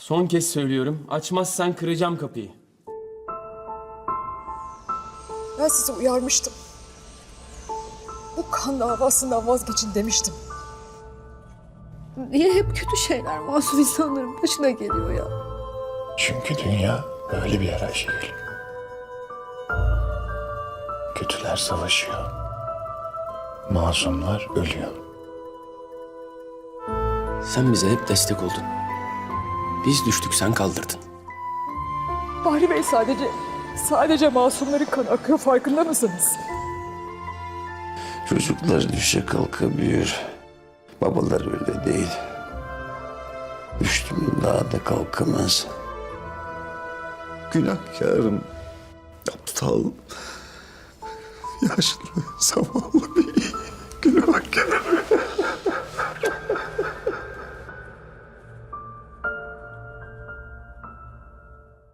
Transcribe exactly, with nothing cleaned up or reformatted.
Son kez söylüyorum. Açmazsan kıracağım kapıyı. Ben sizi uyarmıştım. Bu kan davasından vazgeçin demiştim. Niye hep kötü şeyler masum insanların başına geliyor ya? Çünkü dünya böyle bir yer Ayşegül. Kötüler savaşıyor. Masumlar ölüyor. Sen bize hep destek oldun. Biz düştük, sen kaldırdın. Bahri Bey sadece, sadece masumların kanı akıyor, farkında mısınız? Çocuklar düşe kalka büyür. Babalar öyle değil. Düştüm daha da kalkamaz. Günahkarım. Aptal. Yaşlı, zavallı bir günahkarım.